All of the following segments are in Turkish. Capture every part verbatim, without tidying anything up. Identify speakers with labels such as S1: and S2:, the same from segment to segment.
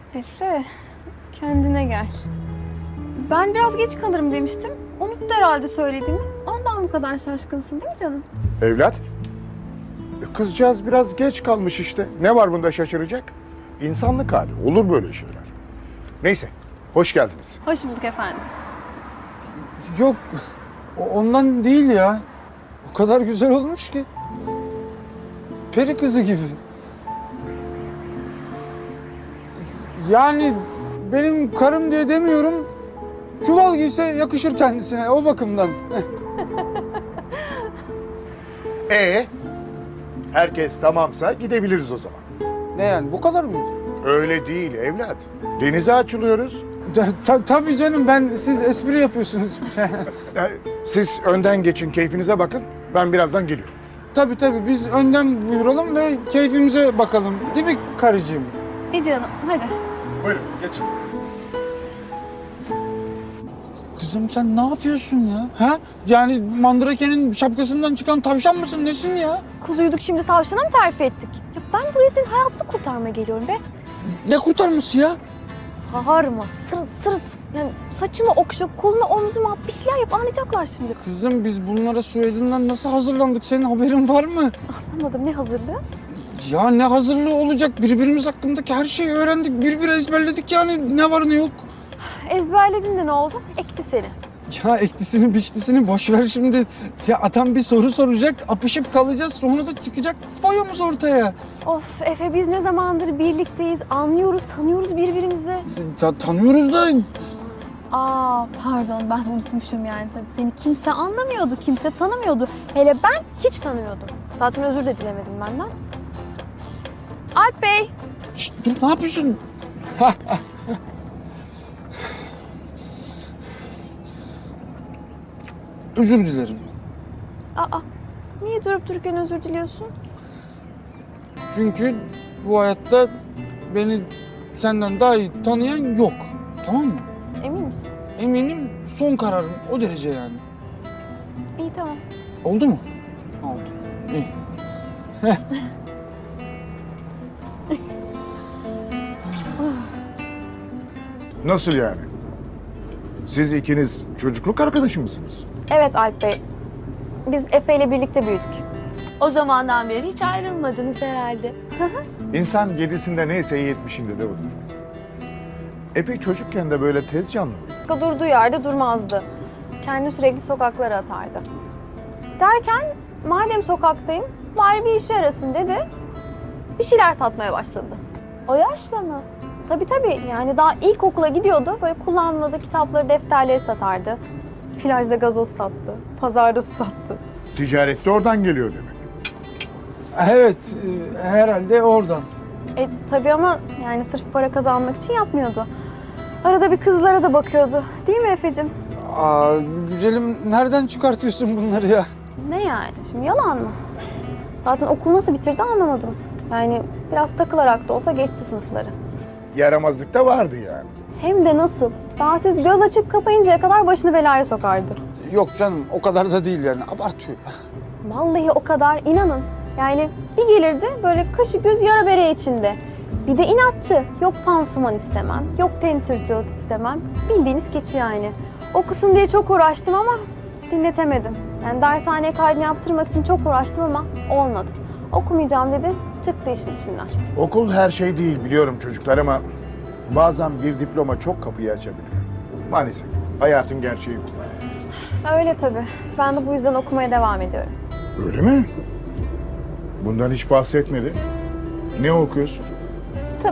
S1: Efe, kendine gel. Ben biraz geç kalırım demiştim. Unuttu herhalde söylediğimi. Ondan bu kadar şaşkınsın değil mi canım?
S2: Evlat, kızcağız biraz geç kalmış işte. Ne var bunda şaşıracak? İnsanlık hali, olur böyle şeyler. Neyse, hoş geldiniz.
S1: Hoş bulduk efendim.
S3: Yok, o- ondan değil ya. O kadar güzel olmuş ki. Peri kızı gibi. Yani benim karım diye demiyorum. Çuval giyse yakışır kendisine o bakımdan.
S2: Ee, herkes tamamsa gidebiliriz o zaman.
S3: Ne yani bu kadar mıydı?
S2: Öyle değil evlat. Denize açılıyoruz.
S3: Ta- ta- tabii canım ben siz espri yapıyorsunuz.
S2: Ee, Siz önden geçin, keyfinize bakın. Ben birazdan geliyorum.
S3: Tabii tabii biz önden buyuralım ve keyfimize bakalım. Değil mi karıcığım?
S1: Hadi hanım, hadi.
S2: Buyurun, geçin.
S3: Kızım sen ne yapıyorsun ya? Ha? Yani Mandrake'nin şapkasından çıkan tavşan mısın? Nesin ya?
S1: Kuzuyduk şimdi tavşana mı terfi ettik? Ya ben buraya senin hayatını kurtarmaya geliyorum be.
S3: Ne kurtarması ya?
S1: Bağırma, sırıt sırıt. Yani saçımı okşa, kolunu omzuma at, bir şeyler yap. Anlayacaklar şimdi.
S3: Kızım biz bunlara Suedi'nden nasıl hazırlandık? Senin haberin var mı?
S1: Anlamadım, ne hazırlığı?
S3: Ya ne hazırlığı olacak? Birbirimiz hakkındaki her şeyi öğrendik. Birbiri ezberledik yani. Ne var ne yok.
S1: Ezberledin de ne oldu? Ekti seni.
S3: Ya eklisini biçlisini boş ver şimdi. Ya adam bir soru soracak, apışıp kalacağız. Sonra da çıkacak foyamız ortaya.
S1: Of Efe, biz ne zamandır birlikteyiz, anlıyoruz, tanıyoruz birbirimizi.
S3: Ta- tanıyoruz da
S1: Aa pardon, ben unutmuşum yani tabii. Seni kimse anlamıyordu, kimse tanımıyordu. Hele ben hiç tanımıyordum. Zaten özür de dilemedim benden. Alp Bey.
S3: Şşt, dur ne yapıyorsun? Özür dilerim.
S1: Aa, niye durup dururken özür diliyorsun?
S3: Çünkü bu hayatta beni senden daha iyi tanıyan yok. Tamam mı?
S1: Emin misin?
S3: Eminim son kararım o derece yani.
S1: İyi tamam,
S3: Oldu mu?
S1: oldu.
S3: İyi.
S2: Nasıl yani? Siz ikiniz çocukluk arkadaşı mısınız?
S1: Evet Alp Bey, biz Efe ile birlikte büyüdük. O zamandan beri hiç ayrılmadınız herhalde.
S2: İnsan yedisinde neyse yetmişinde de odur. Epey çocukken de böyle tez canlı mıydı?
S1: Durduğu yerde durmazdı. Kendini sürekli sokaklara atardı. Derken madem sokaktayım bari bir işe yarasın dedi. Bir şeyler satmaya başladı. O yaşta mı? Tabii tabii, yani daha ilkokula gidiyordu. Böyle kullanmadığı kitapları, defterleri satardı. Plajda gazoz sattı. Pazarda su sattı.
S2: Ticaret de oradan geliyor demek.
S3: Evet, e, herhalde oradan.
S1: E tabii ama yani sırf para kazanmak için yapmıyordu. Arada bir kızlara da bakıyordu. Değil mi Efe'cim?
S3: Aa, güzelim nereden çıkartıyorsun bunları ya?
S1: Ne yani? Şimdi yalan mı? Zaten okul nasıl bitirdi anlamadım. Yani biraz takılarak da olsa geçti sınıfları.
S2: Yaramazlık da vardı yani.
S1: Hem de nasıl? Daha siz göz açıp kapayıncaya kadar başını belaya sokardı.
S3: Yok canım o kadar da değil yani abartıyor.
S1: Vallahi o kadar, inanın. Yani bir gelirdi böyle kaşı göz yara bere içinde. Bir de inatçı. Yok pansuman istemem, yok tentürdiyot istemem. Bildiğiniz keçi yani. Okusun diye çok uğraştım ama dinletemedim. Yani dershaneye kaydını yaptırmak için çok uğraştım ama olmadı. Okumayacağım dedi, çıktı işin içinden.
S2: Okul her şey değil biliyorum çocuklar ama bazen bir diploma çok kapıyı açabiliyor. Maalesef hayatın gerçeği bu.
S1: Öyle tabii. Ben de bu yüzden okumaya devam ediyorum.
S2: Öyle mi? Bundan hiç bahsetmedi. Ne okuyorsun?
S1: Tıp.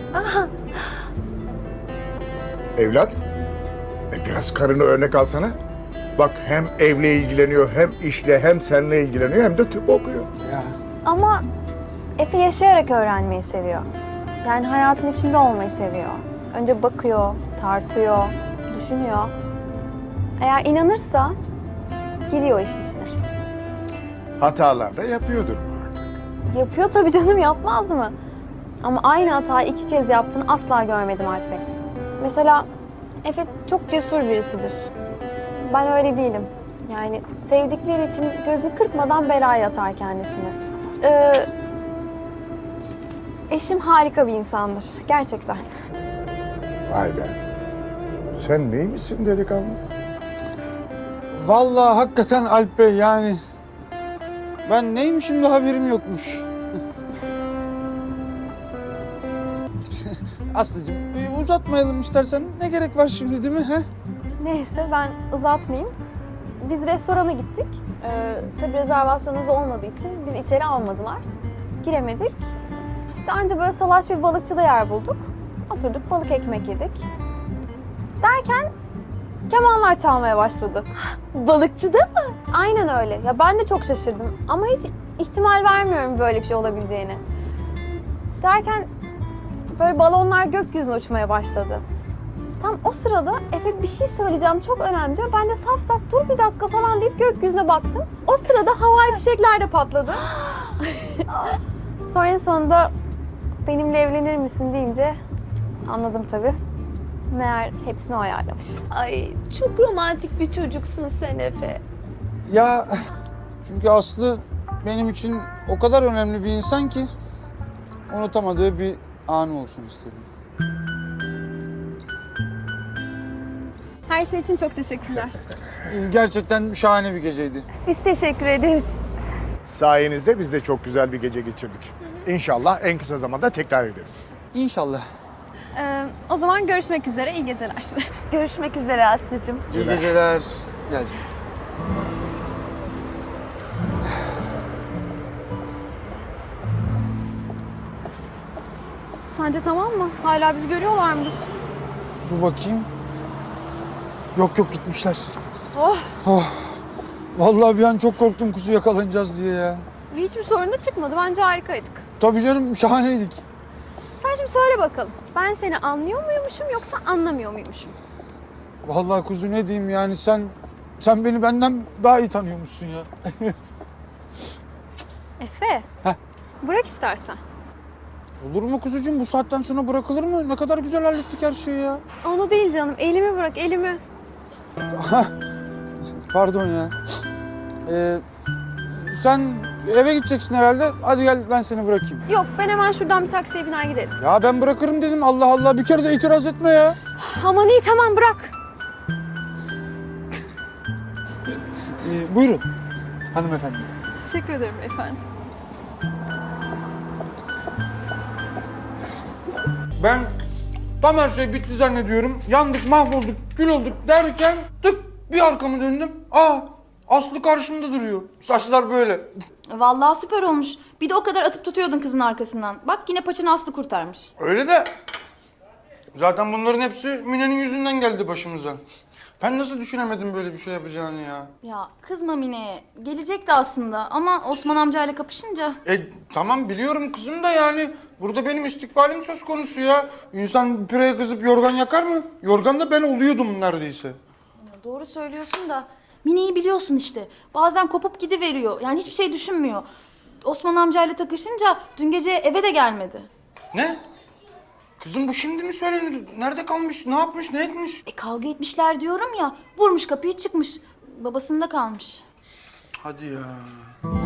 S2: Evlat, e biraz karını örnek alsana. Bak hem evle ilgileniyor, hem işle, hem seninle ilgileniyor, hem de tıp okuyor.
S3: Ya.
S1: Ama Efe yaşayarak öğrenmeyi seviyor. Yani hayatın içinde olmayı seviyor. Önce bakıyor, tartıyor, düşünüyor. Eğer inanırsa giriyor işin içine.
S2: Hatalar da yapıyordur muhakkak.
S1: Yapıyor tabii canım, yapmaz mı? Ama aynı hatayı iki kez yaptığını asla görmedim Alp Bey. Mesela Efe çok cesur birisidir. Ben öyle değilim. Yani sevdikleri için gözünü kırpmadan belaya atar kendisini. Ee, Eşim harika bir insandır. Gerçekten.
S2: Vay be. Sen neymişsin delikanlı?
S3: Vallahi hakikaten Alp Bey yani. Ben neymişim de haberim yokmuş. Aslıcığım e, uzatmayalım istersen. Ne gerek var şimdi değil mi? He?
S1: Neyse ben uzatmayayım. Biz restorana gittik. Ee, tabii rezervasyonumuz olmadığı için bizi içeri almadılar. Giremedik. İşte anca böyle salaş bir balıkçıda yer bulduk. Oturduk balık ekmek yedik. Derken kemanlar çalmaya başladı.
S4: Balıkçıda mı?
S1: Aynen öyle. Ya ben de çok şaşırdım ama hiç ihtimal vermiyorum böyle bir şey olabileceğini. Derken böyle balonlar gökyüzüne uçmaya başladı. Tam o sırada Efe bir şey söyleyeceğim çok önemli diyor. Ben de saf saf dur bir dakika falan deyip gökyüzüne baktım. O sırada havai fişekler de patladı. Sonra en sonunda benimle evlenir misin deyince anladım tabii. Meğer hepsini o ayarlamış.
S4: Ay çok romantik bir çocuksun sen Efe.
S3: Ya çünkü Aslı benim için o kadar önemli bir insan ki unutamadığı bir anı olsun istedim.
S1: Her şey için çok teşekkürler.
S3: Ee, Gerçekten şahane bir geceydi.
S4: Biz teşekkür ederiz.
S2: Sayenizde biz de çok güzel bir gece geçirdik. İnşallah en kısa zamanda tekrar ederiz.
S3: İnşallah.
S1: Ee, o zaman görüşmek üzere. İyi geceler.
S4: Görüşmek üzere Aslı'cığım.
S3: İyi geceler. Gel canım.
S1: Sence tamam mı? Hala bizi görüyorlar mıdır?
S3: Dur bakayım. Yok yok gitmişler.
S1: Oh!
S3: Oh. Vallahi bir an çok korktum kuzu yakalanacağız diye ya.
S1: Hiçbir sorun da çıkmadı. Bence harikaydık.
S3: Tabii canım şahaneydik.
S1: Sen şimdi söyle bakalım. Ben seni anlıyor muymuşum yoksa anlamıyor muymuşum?
S3: Vallahi kuzu ne diyeyim yani sen sen beni benden daha iyi tanıyormuşsun ya.
S1: Efe.
S3: Heh.
S1: Bırak istersen.
S3: Olur mu kuzucuğum bu saatten sonra bırakılır mı? Ne kadar güzel hallettik her şeyi ya.
S1: Onu değil canım. Elimi bırak, elimi.
S3: Pardon ya. Ee, sen eve gideceksin herhalde. Hadi gel ben seni bırakayım.
S1: Yok, ben hemen şuradan bir taksiye biner giderim.
S3: Ya ben bırakırım dedim. Allah Allah bir kere de itiraz etme ya.
S1: Aman iyi, tamam bırak.
S3: Ee, buyurun hanımefendi.
S1: Teşekkür ederim efendim.
S3: Ben tam her şey bitti zannediyorum. Yandık, mahvolduk, kül olduk derken tık bir arkamı döndüm. Aa Aslı karşımda duruyor. Saçlar böyle.
S5: Vallahi süper olmuş. Bir de o kadar atıp tutuyordun kızın arkasından. Bak yine paçanı Aslı kurtarmış.
S3: Öyle de zaten bunların hepsi Mine'nin yüzünden geldi başımıza. Ben nasıl düşünemedim böyle bir şey yapacağını ya.
S5: Ya kızma Mine'ye. Gelecekti aslında ama Osman amcayla kapışınca...
S3: E tamam biliyorum kızım da yani burada benim istikbalim söz konusu ya. İnsan püreye kızıp yorgan yakar mı? Yorgan da ben oluyordum neredeyse.
S5: Ya doğru söylüyorsun da Mine'yi biliyorsun işte. Bazen kopup gidiveriyor. Yani hiçbir şey düşünmüyor. Osman amcayla takışınca dün gece eve de gelmedi.
S3: Ne? Kızım bu şimdi mi söylenir? Nerede kalmış? Ne yapmış? Ne etmiş?
S5: E kavga etmişler diyorum ya. Vurmuş kapıyı çıkmış. Babasında kalmış.
S3: Hadi ya.